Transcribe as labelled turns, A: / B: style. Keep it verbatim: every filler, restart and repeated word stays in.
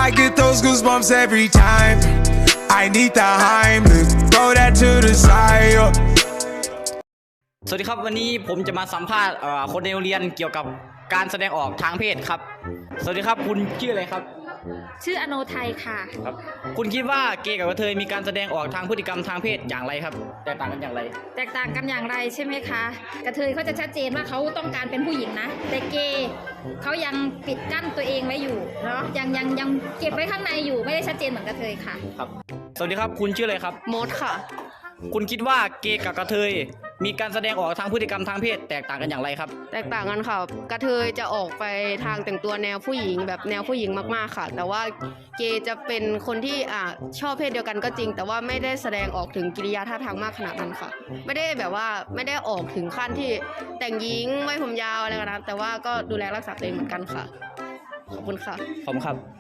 A: I get those goosebumps every time. I need the Heimlich, throw that to the side.
B: สวัสดีครับวันนี้ผมจะมาสัมภาษณ์คนในโรงเรียนเกี่ยวกับการแสดงออกทางเพศครับสวัสดีครับคุณชื่ออะไรครับ
C: ชื่ออโนไทยค่ะ
B: ครับคุณคิดว่าเกย์กับกระเทยมีการแสดงออกทางพฤติกรรมทางเพศอย่างไรครับแตกต่างกันอย่างไร
C: แตกต่างกันอย่างไรใช่ไหมคะกระเทยเขาจะชัดเจนว่าเขาต้องการเป็นผู้หญิงนะแต่เกย์เขายังปิดกั้นตัวเองไว้อยู่เนาะยังยังยังเก็บไว้ข้างในอยู่ไม่ได้ชัดเจนเหมือนกระเทยค่ะ
B: ครับสวัสดีครับคุณชื่ออะไรครับ
D: มดค่ะ
B: คุณคิดว่าเกย์กับกระเทยมีการแสดงออกทางพฤติกรรมทางเพศแตกต่างกันอย่างไรครับ
D: แตกต่างกันค่ะกระเทยจะออกไปทางแต่งตัวแนวผู้หญิงแบบแนวผู้หญิงมากๆค่ะแต่ว่าเกย์จะเป็นคนที่อ่าชอบเพศเดียวกันก็จริงแต่ว่าไม่ได้แสดงออกถึงกิริยาท่าทางมากขนาดนั้นค่ะไม่ได้แบบว่าไม่ได้ออกถึงขั้นที่แต่งหญิงไว้ผมยาวอะไรกันนะแต่ว่าก็ดูแลรักษาตัวเองเหมือนกันค่ะขอบคุณค่ะ
B: ขอบคุณครับ